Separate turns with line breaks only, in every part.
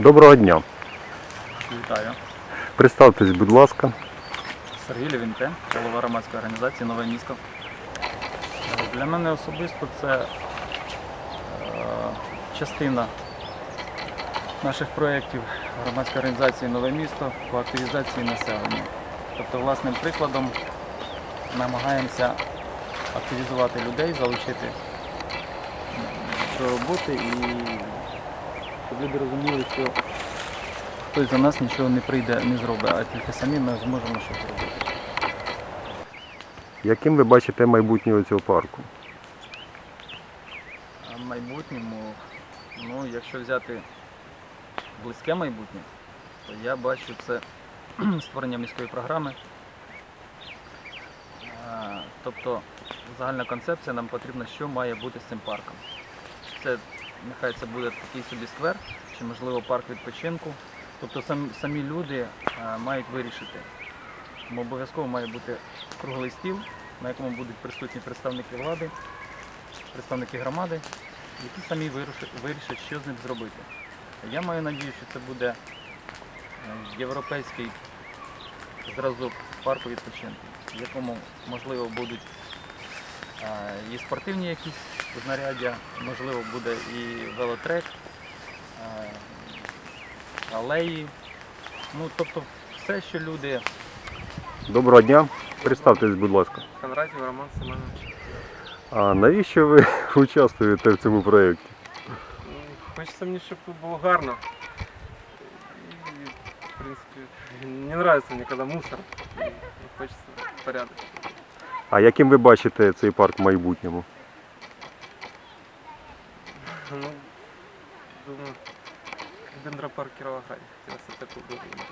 Доброго дня.
Вітаю.
Представтесь, будь ласка.
Сергій Лівіньке, голова громадської організації «Нове місто». Для мене особисто це частина наших проєктів громадської організації «Нове місто» по активізації населення. Тобто, власним прикладом намагаємося активізувати людей, залучити до роботи і щоб люди розуміли, що хтось за нас нічого не прийде, не зробить, а тільки самі ми зможемо щось зробити.
Яким ви бачите майбутнє цього парку?
А в майбутньому, якщо взяти близьке майбутнє, то я бачу це створення міської програми. Тобто загальна концепція нам потрібна, що має бути з цим парком. Нехай це буде такий собі сквер, чи можливо парк відпочинку. Тобто самі люди мають вирішити. Тому обов'язково має бути круглий стіл, на якому будуть присутні представники влади, представники громади, які самі вирішать, що з ним зробити. Я маю надію, що це буде європейський зразок парку відпочинку, в якому, можливо, будуть і спортивні якісь знаряддя, можливо, буде і велотрек, алеї. Тобто все, що люди...
Доброго дня. Представтесь, будь ласка.
Кондратів Роман Семенович.
А навіщо ви участвуєте в цьому проєкті?
Хочеться мені, щоб тут було гарно. І, в принципі, не подобається мені, коли мусор. Хочеться порядок.
А яким ви бачите цей парк в майбутньому?
Думаю, дендропарк Кіровограді. Хотілося таку думаю.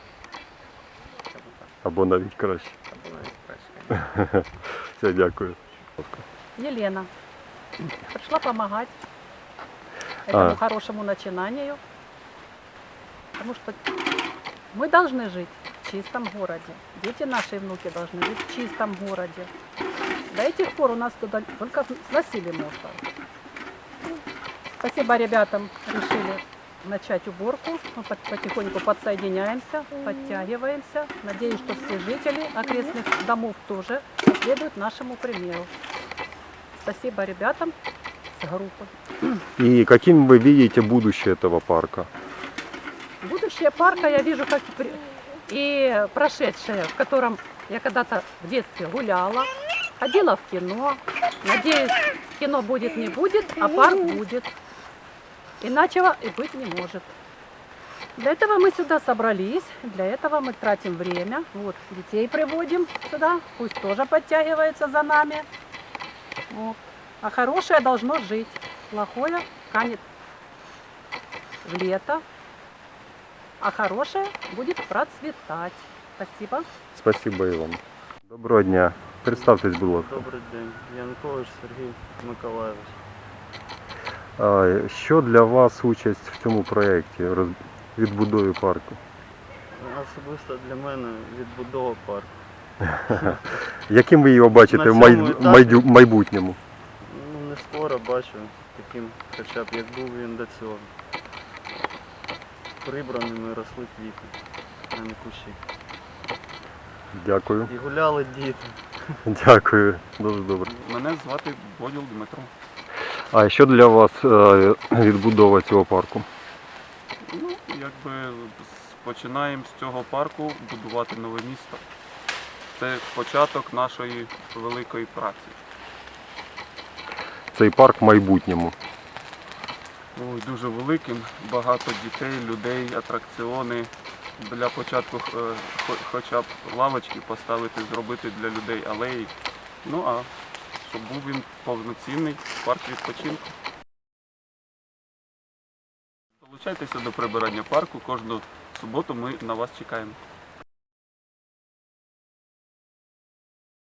Або навіть краще.
Або навіть краще.
Все, дякую.
Елена. Пришла помогать этому хорошему начинанию. Потому что мы должны жить в чистом городе. Дети наши и внуки должны жить в чистом городе. До этих пор у нас туда только сносили мусор. Спасибо ребятам, решили начать уборку. Мы потихоньку подсоединяемся, подтягиваемся. Надеюсь, что все жители окрестных домов тоже последуют нашему примеру. Спасибо ребятам с группы.
И каким вы видите будущее этого парка?
Будущее парка я вижу как и прошедшее, в котором я когда-то в детстве гуляла, ходила в кино. Надеюсь, кино будет не будет, а парк будет. Иначе и быть не может. Для этого мы сюда собрались, для этого мы тратим время. Вот, детей приводим сюда, пусть тоже подтягивается за нами. Вот. А хорошее должно жить, плохое канет в лето, а хорошее будет процветать. Спасибо.
Спасибо і вам. Доброго дня. Представтесь, будь ласка.
Добрий день. Янкович Сергій Миколайович.
Що для вас участь в цьому проєкті відбудови парку?
Особисто для мене відбудова парку.
Яким ви його бачите в майбутньому?
Не скоро бачу таким, хоча б як був він до цього. Прибраними росли квіти, а не кущі.
Дякую.
І гуляли діти.
Дякую. Дуже добре.
Мене звати Боділ Дмитро.
А що для вас відбудова цього парку?
Починаємо з цього парку будувати нове місто. Це початок нашої великої праці.
Цей парк в майбутньому.
Дуже великим, багато дітей, людей, атракціони. Для початку хоча б лавочки поставити, зробити для людей алеї. А щоб був він повноцінний парк відпочинку. Долучайтеся до прибирання парку, кожну суботу ми на вас чекаємо.